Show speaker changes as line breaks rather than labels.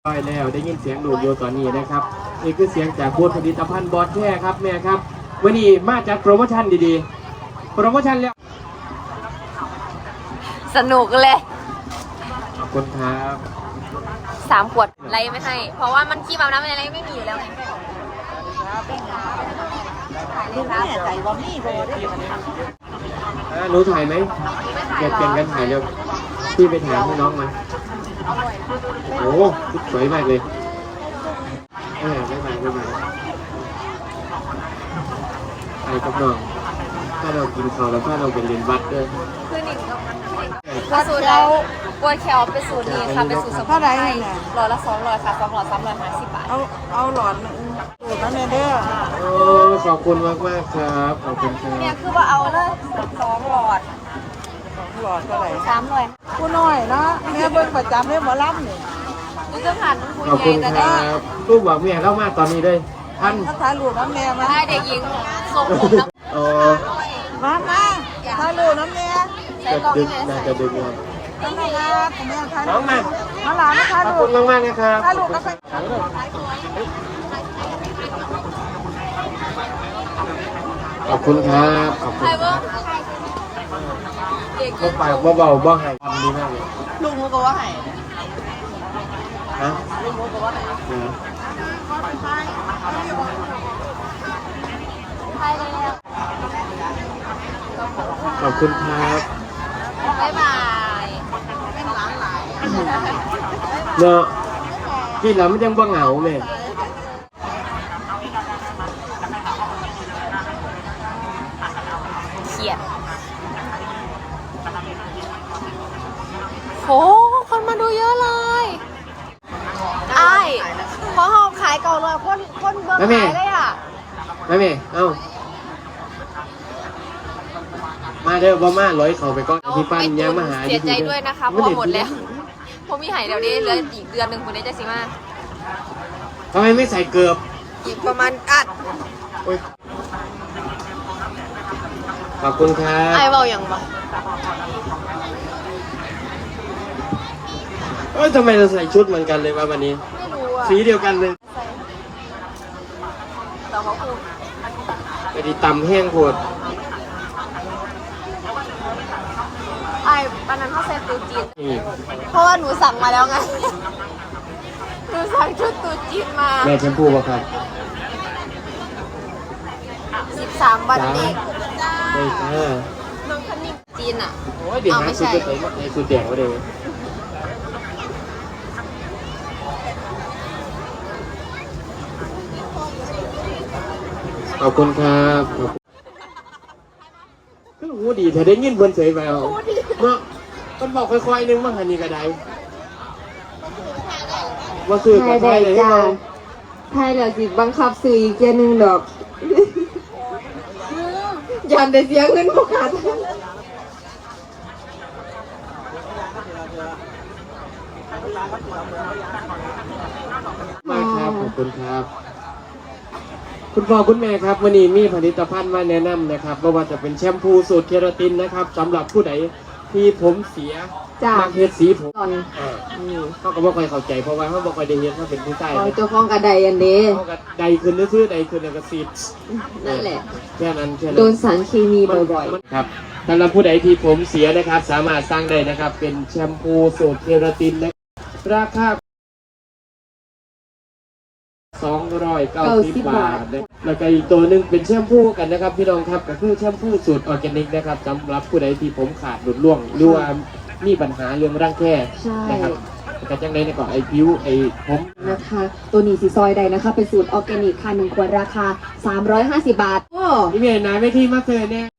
ได้แล้วได้ยินเสียงดูดโยตอนนี้นะครับนี่คือเสียงจากบูธผลิตภัณฑ์บอสแท้ครับแม่ครับวันนี้มาจากโปรโมชั่นดีๆโปรโมชั่นแล้ว
สนุกเลย
ขอบคุณครับ
3 ขวดไรไม่ให้เพราะว่ามันขี้แบบน้ำอะไรไม่มีอยู่แล้วไง
ลูกแม่ใจว่ามีโบได้
หนูถ่ายไหมอยากเปลี่ยนกันถ่ายเร็วพี่ไปถ่ายให้น้องมาโอ้สวยมากเลยไม่มาไอ้กับน้องถ้าเรากินข้าวแล้วถ้าเราเป็นเรียนวัดด้วย
คือหนิงก็สูตรเรากล้วยแคลเป็นสูตรนี้ค่ะเป็นสูตรสมุนไพรหลอดละ200ค่ะ2 หลอด350 บาท
เอาหลอดสูตรนั้นเลยเด้อ
โอ้ขอบคุณมากครับขอบคุณครับ
เนี่ยคือว่าเอาเลย2 หลอด
เท่าไหร่
300
ผู้น้อยนะแม่เบิ่งประจำเลยหมอลำนี่
นี่จะผ่านคุณ
ขอบคุณครับลูกบอกเมียเข้ามาตอนนี้เลยท่าน
ถ้าถ่ายรูปน้ำแม่มา
ให้เด็กหญิงส่งผมนะ
มาถ่ายรูปน้ำแม่
จะดึกนะจะดึกเลยน้องมา
หลานถ่ายรูป
ขอบคุณมากๆนะครับ
ถ่ายรูปก็ไป
ขอบคุณครับขอบคุณเขาปากเบาๆบ้างให้ทำดีมากเลย
ลุงเขาก็ว่าให้
ฮะ
ลุงเขาก็ว่าให้
ขอบคุณครับ
บ๊ายบาย
เนาะกินแล้วมันยังบ้าเหงาเลย
เขียดโหคนมาดูเยอะเลยไอ้พอหอบขายเก่าเลยคนเบิ่งขายเลยอ่ะ
แม่เอ้ามาเด้อบ่มาร้อยเขาไปก่อนพี่ปั้นยังมาหา
เสียใจด้วยนะคะพอหมดแล้วผมมีหายเดี๋ยวนี้เหลืออีกเดือนหนึ่งคุณได้จะสิมา
ทำไมไม่ใส่เกลือ
อีกประมาณอัด
ขอบคุณครับ
ไอ้เบาอย่างบ่
ทำไมเราใส่ชุดเหมือนกันเลยวะวันนี้
ไม่รู้อ่ะ
สีเดียวกันเลย
แต่เขาพูด
ไปดีตำแห้งโคตร
ไอ้ตอนนั้นเขาใส่ตูจีนเพราะว่าหนูสั่งมาแล้วไงหนูสั่งชุดตูจีนมา
แม่แชมพูป่ะครับ
13 วันเด็ก
ได้ค่ะ
น้องคันนิ่งจีนอ่ะ
โอ้ยเดี๋ยวหาชุดไปในชุดแดงก็ได้ขอบคุณครับก็หูดีถ้าได้ยินเพิ่นเฉยไปเอาเนาะมันบอกค่อยๆนึงว่าหันนี่ก็ได้ว่าซื้อกับไทยเลยจ้า
ไทยแล้วสิบังคับซื้ออีกแค่นึงดอกยันได้เสียเงินพวกขาด
มากครับขอบคุณครับคุณพ่อคุณแม่ครับวันนี้มีผลิตภัณฑ์มาแนะนำนะครับว่าจะเป็นแชมพูสูตรเคราตินนะครับสำหรับผู้ใดที่ผมเสียมาเฮ็ดสีผมเขาก็บ่ค่อยเข้าใจเพราะว่าเขาบ่ค่อยได้เห็นเขาเป็นผู้ชาย
เจ้าของกระไดอันนี้
ใดขึ้นซื้อใดขึ้นแล้วก็ซีด
นั่นแหละ
แค่นั้น
โดนสารเคมีบ่อย
ๆครับสำหรับผู้ใดที่ผมเสียนะครับสามารถสร้างได้นะครับเป็นแชมพูสูตรเคราตินนะราคา290 บาทแล้วก็อีกตัวหนึ่งเป็นแชมพูกันนะครับพี่น้องครับก็คือแชมพูสูตรออร์แกนิกนะครับสำหรับผู้ใดที่ผมขาดหลุดร่วงหรือว่ามีปัญหาเรื่องร่างแค่นะครับกระจังได้ก่อนไอผิวไอผม
นะคะตัวนี้สีซอยใดนะคะเป็นสูตรออร์แกนิกค่ะ1 ขวดราคา350 บาท
นี่เมียนายไม่ที่มาเจอเนี่ย